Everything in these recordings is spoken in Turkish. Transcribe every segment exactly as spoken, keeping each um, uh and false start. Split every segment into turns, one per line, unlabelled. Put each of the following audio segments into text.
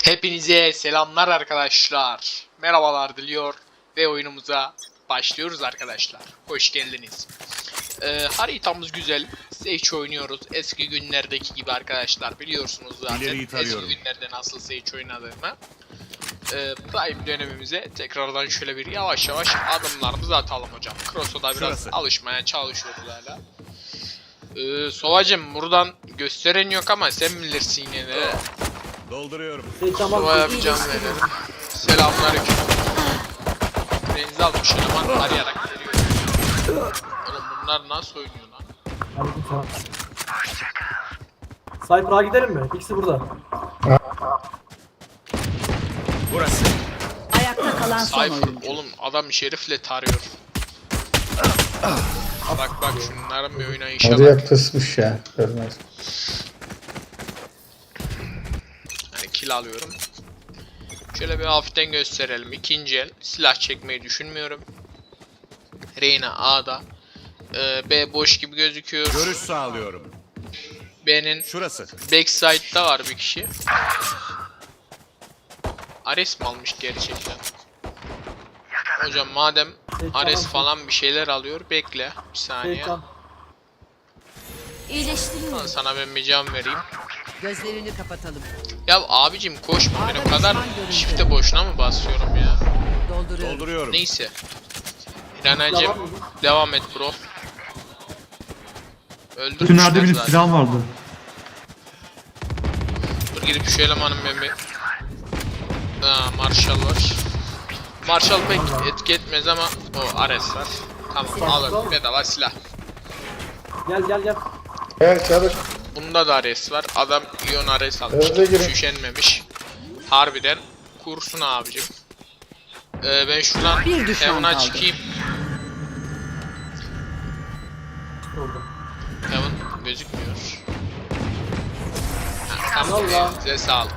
Hepinize selamlar arkadaşlar. Merhabalar diliyor ve oyunumuza başlıyoruz arkadaşlar. Hoş geldiniz. Ee, haritamız güzel. Sage oynuyoruz. Eski günlerdeki gibi arkadaşlar. Biliyorsunuz zaten eski günlerde nasıl Sage oynadığımı. Ee, Prime dönemimize tekrardan şöyle bir yavaş yavaş adımlarımızı atalım hocam. Cross'a da biraz Şurası. alışmaya çalışıyoruz hala. Ee, Sovacım buradan gösteren yok ama sen bilirsin yine de.
Dolduruyorum.
Sova yapacağım verelim. Selamünaleyküm. Denize almış eleman arayarak geliyor. Oğlum bunlar nasıl oynuyor lan?
Cypher'a gidelim mi? İkisi burada.
Burası.
Ayakta kalan son
Cypher
oyuncu.
oğlum adam şerifle tarıyor. Bak bak şunların bir oynayışa bak.
Oraya pısmış ya. Görmez.
Yani kill alıyorum. Şöyle bir hafiften gösterelim. İkinci el. Silah çekmeyi düşünmüyorum. Reyna A'da. Ee, B boş gibi gözüküyor.
Görüş sağlıyorum.
B'nin
Şurası.
backside'da var bir kişi. Ares mi almış gerçekten? Hocam madem Ares falan bir şeyler alıyor, bekle bir saniye.
Şeytan.
İyileştiriyorum.
Sana ben bir can vereyim.
Gözlerini kapatalım.
Ya abicim koşma, ben o
Adam
kadar
düşman görüldü.
shift'e boşuna mı basıyorum ya?
Dolduruyorum.
Dolduruyorum.
Neyse. İranacım devam et bro. Öldürmüşler
Tünelde bir
zaten.
silah vardı.
Dur gidip şu elemanın ben bir... Aa, Marshall var. Marshall pek etki etmez ama o Ares var. Tamam alın bedava silah.
Gel gel gel.
Gel çabuk.
Bunda da Ares var. Adam Ion Ares almış.
Öyle girin.
Üşenmemiş. Harbiden kursun abicim. Ee, ben şuradan
Bir düşman
Heaven'a
kaldı.
çıkayım.
Orada.
Heaven gözükmüyor. Ha, tamam
Allah.
size sağlık.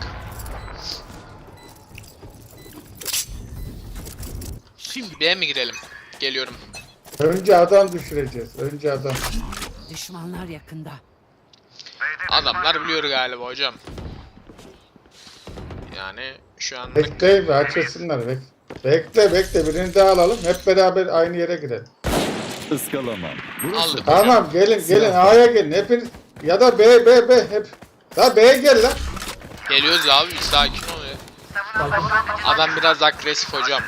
Şimdi B'ye mi girelim? Geliyorum.
Önce adam düşüreceğiz. Önce adam.
Düşmanlar yakında.
Adamlar biliyor galiba hocam. Yani şu an
Bekle ve açılsınlar. Bek bekle bekle. Birini daha alalım. Hep beraber aynı yere girelim.
Iskalamam.
aldık.
Tamam gelin gelin. A'ya gelin. Hepiniz. Ya da B B B hep. La B'ye gel lan.
Geliyoruz abi bir sakin ol ya. Adam biraz agresif hocam.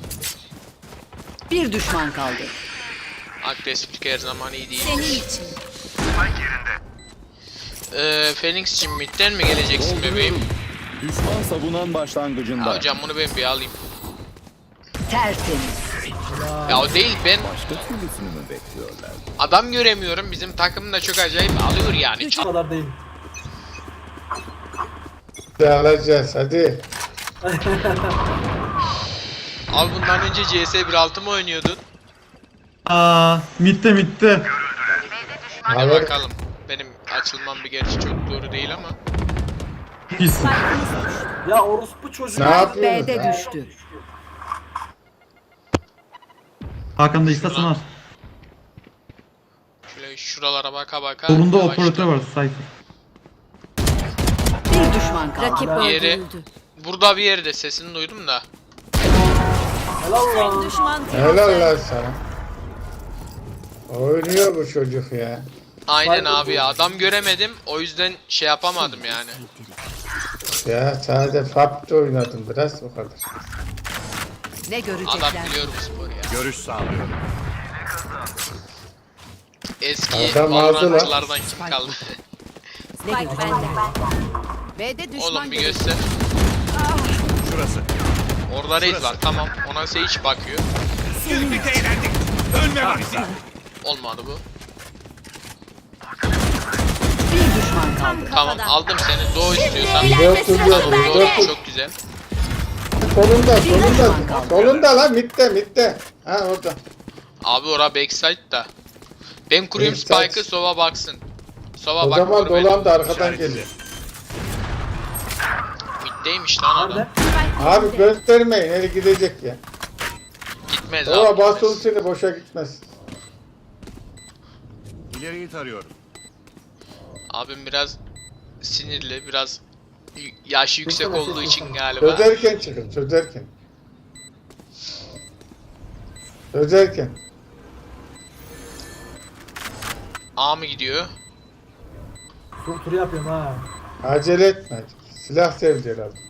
Bir düşman kaldı.
Agresiflik her zaman iyi değil.
Senin için.
Ee, Phoenix'cim midden mi geleceksin bebeğim?
Düşman savunan başlangıcında.
Ya hocam bunu ben bir alayım.
Tertemiz.
Ya o değil ben
Başka türlüsünü mü bekliyorlar?
adam göremiyorum. Bizim takım da çok acayip alıyor yani.
Hiç o kadar değil.
Hadi alacağız hadi.
Abi bundan önce C S bir nokta altı mı oynuyordun?
Aa, mitte mitte.
Hadi
Alır.
bakalım. Benim açılmam bir gerçi çok doğru değil ama.
Pis.
Ya orospu çocuğu.
Ne yapıyorsunuz?
B'de
ya?
düştü.
Hakan'da istasın var.
Şöyle şuralara baka baka.
Solunda
yavaştan.
operatör var Cypher.
Bir düşman kaldı. Rakip
Yeri burada bir yerde sesini duydum da.
Helal lan.
Düşman
Helal lan sana. Oynuyor bu çocuk ya.
Aynen abi ya adam göremedim o yüzden şey yapamadım yani.
Ya sadece F A P'te oynadım biraz o kadar.
Ne
Adam
görecekler?
biliyor bu sporu ya.
Görüş sağlıyorum.
Eski
Adam aldı lan.
Valorantçılardan kim kaldı?
Ne görecekler? B'de düşman
Oğlum bir
görüldü.
göster.
Şurası.
Orada raid var tamam ona Sage bakıyor.
Birlikte eğlendik. Ölme vakti.
Olmadı bu.
Bir düşman kaldı.
Tamam aldım seni doğu istiyorsan.
Dört duruyor.
Doğu
Dört
çok güzel.
Solunda solunda. Solunda lan mitte mitte. Ha orada.
Abi ora backside da. Ben kurayım
Backside.
Spike'ı Sova baksın. Sova
O
bak
zaman
vur beni.
dolan da arkadan
İşaretli.
geliyor.
Middeymiş lan adam.
Nerede?
Abi göstermeyin. Eli gidecek ya.
Gitmez abi.
Ama
gitmez.
basın seni boşa gitmez.
İleriyi tarıyorum.
Abim biraz sinirli, biraz Y- Yaş yüksek
Çözsene,
olduğu
çözsene.
için galiba.
Çözerken çıkın, çözerken. Çözerken.
A mı gidiyor?
Tur turu yapıyorum ha.
Acele etme. Silah sevdi herhalde.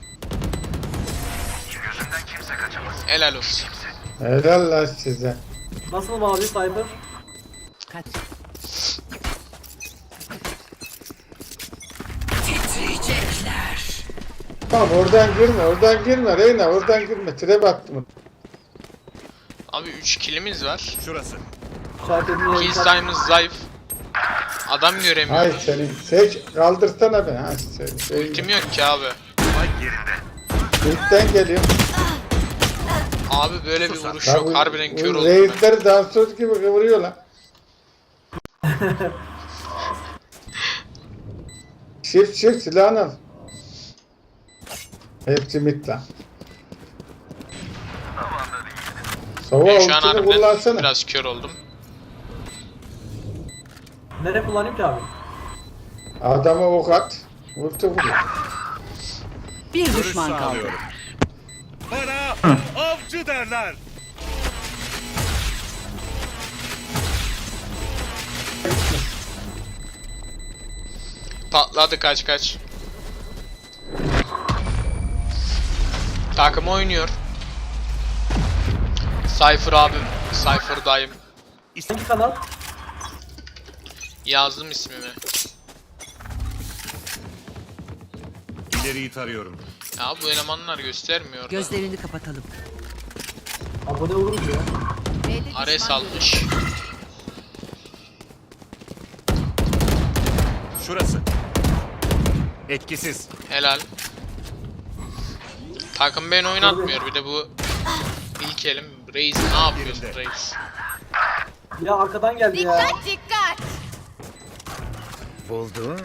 Helal olsun.
Helal lan size.
Nasıl mavi Cyber?
Kaç.
Tamam oradan girme, oradan girme Reyna, oradan girme. Trap attım.
Abi üç killimiz var.
Şurası.
İşaret edin.
Kill sayımız zayıf. Adam
Hay
göremiyorum.
senin. Seç, kaldırsana beni. Ha, sen, şey,
Ultim yok ki abi.
Spike yerinde.
İlkten geliyor.
Abi böyle bir vuruş
Lan
yok.
bu-
Harbiden
bu
kör oldum ben.
Reisleri dansöz gibi kıvırıyor lan. Shift shift silahını al. Hepsi mit lan. Sova
Ben şu an
ultini
harbiden
kullansana.
biraz kör oldum.
Nereye kullanayım ki abi?
Adama ok at. Ulti vuruyor.
Bir
Görüş
düşman kaldı.
sağlıyorum. Bana avcı derler.
Patladı kaç kaç. Takım oynuyor. Cypher abim. Cypher dayım.
Hangi kanal?
Yazdım ismimi.
İleriyi tarıyorum.
Ya bu elemanlar göstermiyor. da.
Gözlerini kapatalım.
Abone oluruz ya.
B'de
Ares
düşman
almış.
Şurası. Etkisiz.
Helal. Takım beni oynatmıyor. Bir de bu ilk elim. Reis ne yapıyorsun
Yerinde.
Reis?
Ya arkadan geldi ya.
dikkat.
Buldum.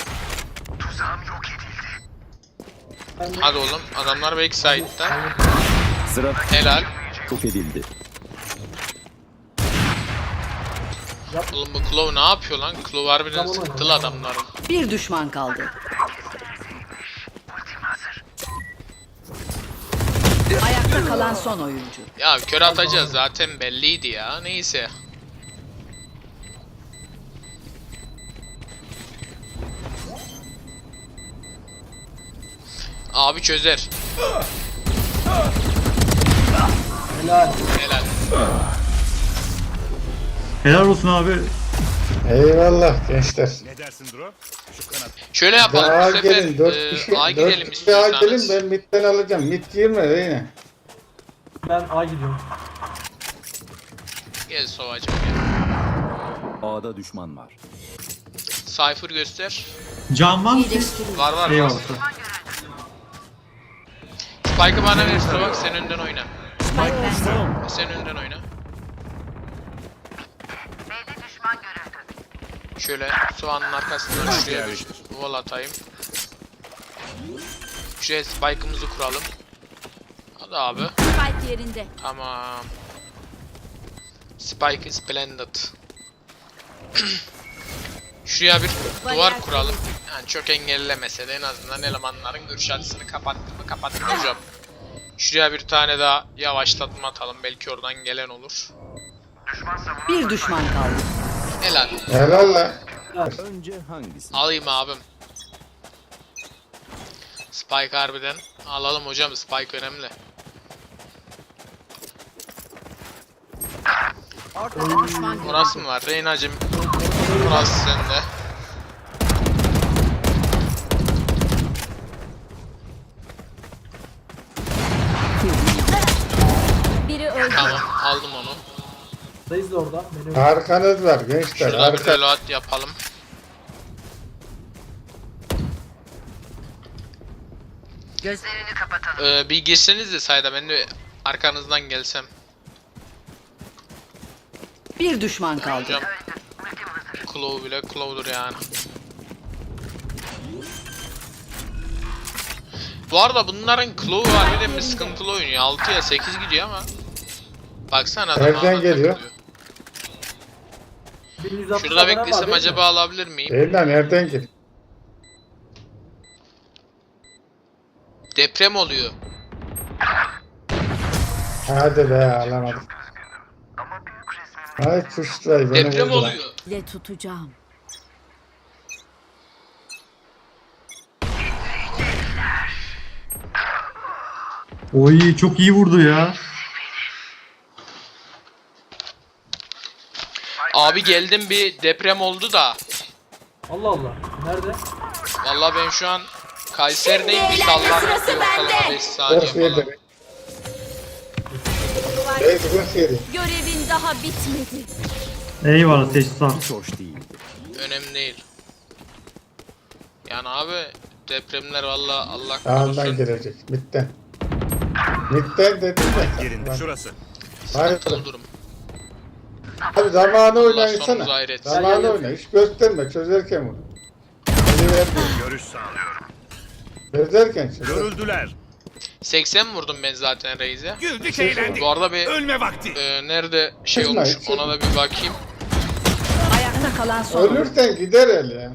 Ben de-
Hadi oğlum. Adamlar backside'da.
Sıra
Helal.
çok edildi.
Oğlum bu Claw ne yapıyor lan? Claw harbiden
Tamam,
sıkıntılı
tamam.
adamların.
Bir düşman kaldı. Ayakta kalan son oyuncu.
Ya kör atacağız zaten belliydi ya. Neyse. Abi çözer.
Helal.
Helal.
Helal olsun abi.
Eyvallah gençler.
Ne dersin Dro? Şu kanat.
Şöyle yapalım
Daha
bu sefer.
gelin, dört
E,
kişi,
A gidelim
dört kişi daha gelin,
istiyorsanız.
ben midden alacağım. Mid girme Reyna.
Ben A gidiyorum.
Gel Sovacım gel.
A'da düşman var.
Cypher göster.
Can var mı?
Var var var.
Eyvallah.
Spike'ı bana ver Sova, sen önden oyna.
Spike bende.
Sen önden oyna. Şöyle soğanın arkasından şuraya bir
yerleştir.
wall atayım. Şuraya spike'ımızı kuralım. Hadi abi.
Spike yerinde.
Tamam. Spike is splendid. Şuraya bir duvar kuralım. Yani çok engellemese de en azından elemanların görüş açısını kapattı mı kapattı hocam. Şuraya bir tane daha yavaşlatma atalım. Belki oradan gelen olur.
Bir düşman kaldı.
Helal.
Helal lan.
Önce hangisi?
Alayım abim. Spike harbiden. Alalım hocam, Spike önemli.
Ortada düşman görüldü.
Orası mı var? Reyna'cım. Orası sende.
Biri öldü.
Tamam, aldım onu.
Reis de orada. Beni
Arkanız var gençler.
Şurada bir
Arka.
reload yapalım.
Gözlerini kapatalım.
Ee, bir girseniz de sayda ben de arkanızdan gelsem.
Bir düşman kaldı.
Hocam. Claw bile Claw'dur yani. Bu arada bunların Claw var, bir de bir sıkıntılı oynuyor. altıya sekiz gidiyor ama. Baksana adam
Nereden
ağına
geliyor?
takılıyor.
bin yüz altmış
Şurada
abonem var,
beklesem
değil mi?
acaba alabilir miyim?
Reyna nereden gel?
Deprem oluyor.
Hadi be alamadım. Ay kuşlar beni
Deprem
vurdular.
oluyor.
Le tutacağım.
Oy çok iyi vurdu ya.
Abi geldim, bir deprem oldu da.
Allah Allah. Nerede?
Vallahi ben şu an Kayseri'deyim, bir sallantılı ortalama beş saniye
Dört
falan.
yedi. Reis dört yedi.
Görevin daha bitmedi.
Eyvallah seç sağ.
Hiç hoş değil.
Önemli değil. Yani abi depremler valla Allah
Sağından
korusun.
girecek. Mitten. Mitten dedim de.
Yerinde şurası.
Hayır.
Sıkıntılı durum.
Abi zamanı
Allah
oynayınsana.
sonumuzu hayır etsin.
Zamanı oyna. Hiç gösterme. Çözerken bunu. Eli vermiyor.
Görüş sağlıyorum.
Çözerken çözer.
Görüldüler.
seksen vurdum ben zaten Reis'e.
Güldük eğlendik.
Bu arada bir
Ölme vakti.
e, nerede şey
Kızma,
olmuş
kızma.
ona da bir bakayım.
Ayakta kalan son oyuncu.
Ölürsen gider el ya.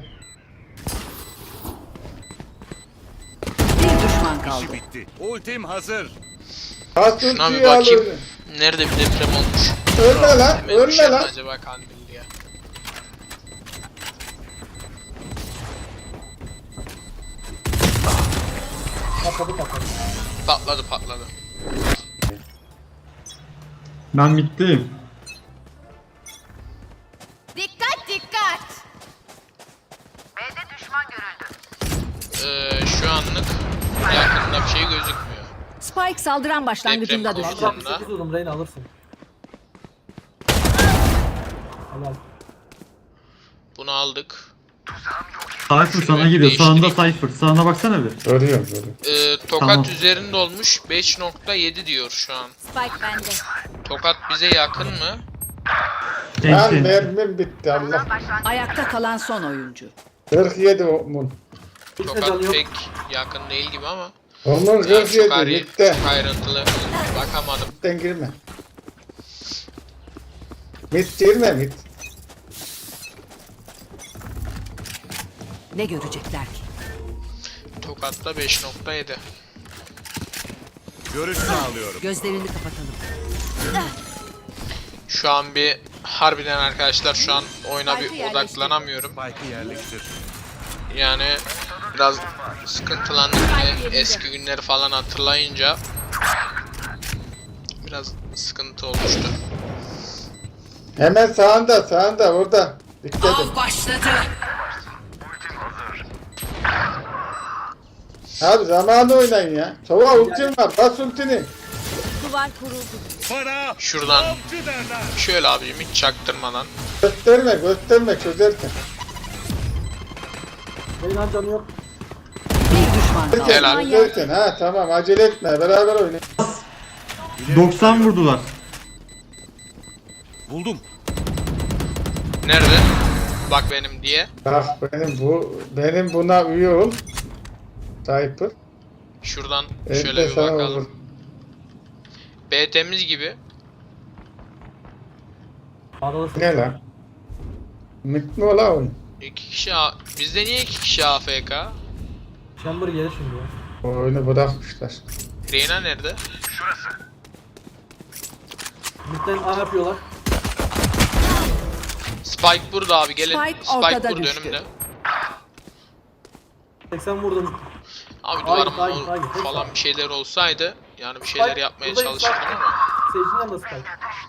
Bir düşman kaldı.
İşi bitti. Ultim hazır.
Şuna bir
Hasıltıyı al
bakayım.
öyle.
Nerede bir deprem olmuş?
Ölme lan.
Hemen
Ölme
düşer mi
lan.
acaba Kandilli'ye?
Patladı patladı.
Patladı patladı.
Ben bittiyim.
Dikkat dikkat.
Ee, şu anlık yakında bir şey gözükmüyor.
Spike saldıran başlangıcında
Deprem
düştü.
oldu.
altmış sekiz vurdum. Reyna alırsın. Helal.
Bunu aldık.
Cypher sana gidiyor. Sağında Cypher. Sağına baksana bir.
Görüyorum görüyorum.
Ee, tokat
Tamam.
üzerinde olmuş, beş nokta yedi diyor şu an.
Spike bende.
Tokat bize yakın mı?
Lan
Enti.
mermim bitti Allah.
Ayakta kalan son oyuncu.
kırk yedi mun.
Hiç de canı
Tokat
yok.
pek yakın değil gibi ama.
Onun
Yani
kırk
çok,
yedi
ayrı,
bitti.
çok ayrıntılı bakamadım.
Mitten girme. Mit girme mit.
Ne görecekler ki?
Tokat'ta beş nokta yedi.
Görüş sağlıyorum.
Gözlerini kapatalım.
Şu an bir harbiden arkadaşlar şu an oyuna
Spike'ı
bir
yerleştir.
odaklanamıyorum.
Spike'ı yerleştir.
Yani biraz sıkıntılandım yine eski günleri falan hatırlayınca. Biraz sıkıntı olmuştu.
Hemen sağında sağında orada. Dikkat et.
Av başladı.
Abi zamanı oynayın ya. Sova ultim var. Bas ultini.
Duvar kuruldu.
Bana
Şuradan
avcı derler.
şöyle abicim hiç çaktırmadan.
Gösterme gösterme çözerken.
Reyna canı yok.
Bir düşman kaldı.
Helal.
Çözerken ha tamam acele etme beraber oynayın.
doksan vurdular.
Buldum.
Nerede? Bak benim diye.
Bak benim bu benim buna üye ol. Cypher.
Şuradan
Evet,
şöyle bir
sana
bakalım.
olur.
B temiz gibi.
Ağdalasın.
Ne lan? Mit mi ola oyun?
İki kişi A... Bizde niye iki kişi A F K?
Chamber gelir şimdi ya.
O oyunu bırakmışlar.
Reyna nerede?
Midden A yapıyorlar.
Spike burada abi gelin.
Spike
Spike,
ortada
burada
düştü.
önümde.
seksen vurdum.
Abi
Hayır,
duvarım
hayır,
ol-
hayır, hayır.
falan bir şeyler olsaydı yani bir şeyler
Spike,
yapmaya
buradayım,
çalışırdım
Spike.
ama
Seyircinin yanında Spike.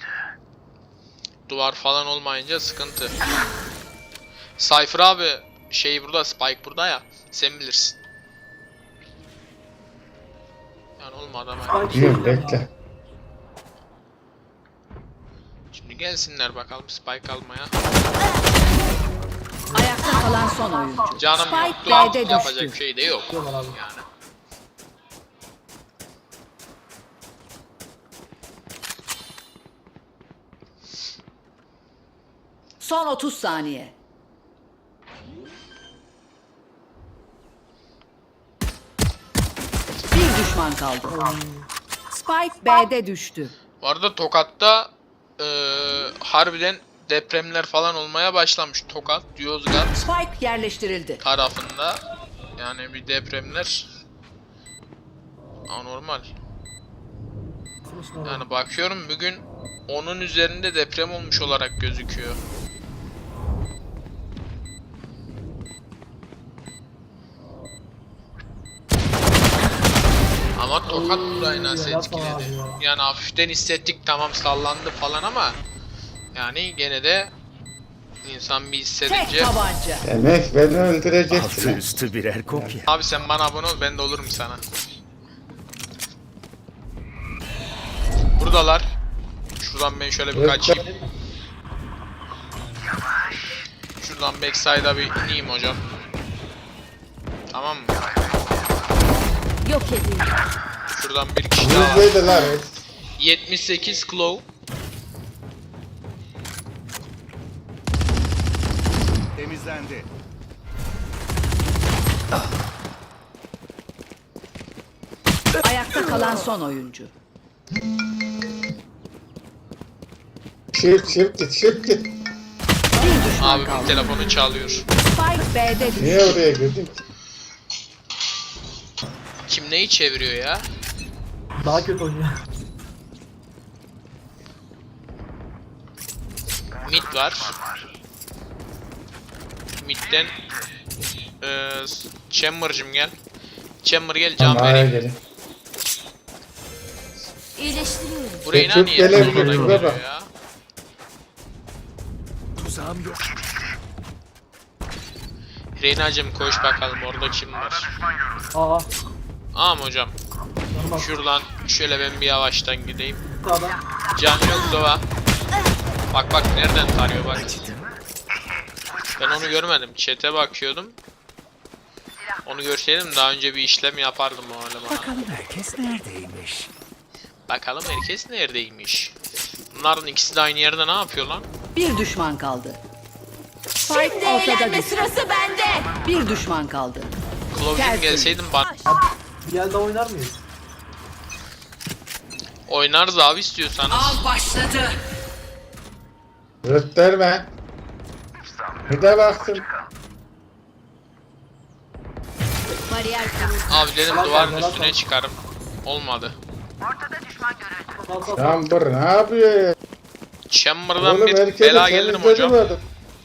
duvar falan olmayınca sıkıntı. Cypher abi şey burada, Spike burada ya, sen bilirsin. Yani olmadı ama
Spike
Biliyorum
seyircinin
bekle.
yanında.
şimdi gelsinler bakalım Spike almaya.
Ayakta kalan son oyuncu.
Canım
Spike
yoktu,
B'de
yapacak
düştü.
bir şey de yok
Diyorlar abi.
yani.
Son otuz saniye. Bir düşman kaldı. Spike B'de düştü.
Bu arada Tokat'ta eee harbiden depremler falan olmaya başlamış. Tokat, Yozgat
Spike yerleştirildi.
tarafında yani bir depremler anormal.
Sımış normal.
Yani bakıyorum bugün onun üzerinde deprem olmuş olarak gözüküyor. Ama tokat burayı nasıl
yapma
etkiledi?
abi ya.
Yani hafiften hissettik, tamam sallandı falan ama yani gene de insan bir
Tek
hissedince.
tabanca.
Demek beni
Altı
öldüreceksin.
üstü birer kopya.
Abi sen bana abone ol, ben de olurum sana. Buradalar. Şuradan ben şöyle bir
Evet,
kaçayım. Şuradan backside'a bir ineyim hocam. Tamam mı?
Yok edildi.
Şuradan bir kişi daha var.
Yüzdeydi lan.
yetmiş sekiz Claw.
Temizlendi.
Ayakta kalan son oyuncu.
Shift shift git shift git.
Bir düşman
Abi bir
kaldı.
telefonu çalıyor.
Spike B'de düştü.
Niye oraya girdin ki?
Kim neyi çeviriyor ya?
Daha kötü oynuyor.
Mid var. Mid'den eee Chamber'cım gel. Chamber gel, can
Tamam, A'ya
vereyim.
gelin.
İyileştiriyorum.
Burayı
Çok
niye
gelebilir,
sonradan
şurada
geliyor
bak.
ya?
Tuzağım yok.
Reyna'cım koş bakalım, orada kim var?
Aa.
Aa mı hocam?
Normal.
Şuradan şöyle ben bir yavaştan gideyim.
Sağdan.
Can yok Dova. Bak bak nereden tarıyor bak. Ben onu görmedim. Chat'e bakıyordum. Onu görseydim daha önce bir işlem yapardım o elemana.
Bakalım herkes neredeymiş?
Bakalım herkes neredeymiş. Bunların ikisi de aynı yerde ne yapıyor lan?
Bir düşman kaldı. Spike ortada düştü. Sırası bende. Bir düşman kaldı.
Clove'cum
Tertemiz.
gelseydin bana.
Bir yerde oynar mıyız?
Oynarız abi istiyorsanız.
Av başladı.
Rütterme. Bir de baksın.
Bariyer kuruldu.
Abi dedim duvarın üstüne çıkarım. Olmadı.
Sağ sağ sağ.
Chamber ne yapıyor ya?
Chamber'dan
Oğlum
bir
herkesi
bela gelirim hocam.
temizledim.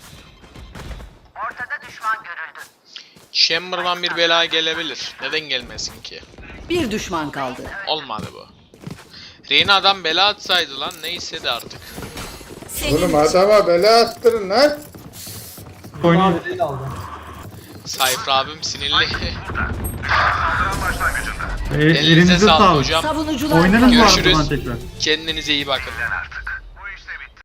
Chamber'dan bir bela gelebilir. Neden gelmesin ki?
Bir düşman kaldı.
Olmadı bu. Reyna'dan bela atsaydı lan, neyse de artık.
Oğlum adama bela attırın lan.
Oynuyor.
Abi değil aldı.
Cypher abim sinirli.
E,
Elinize
elinize
sağlık
sağlık.
hocam.
Savunucular
Oynarız mı
Görüşürüz.
ardından tekrar?
Kendinize iyi bakın.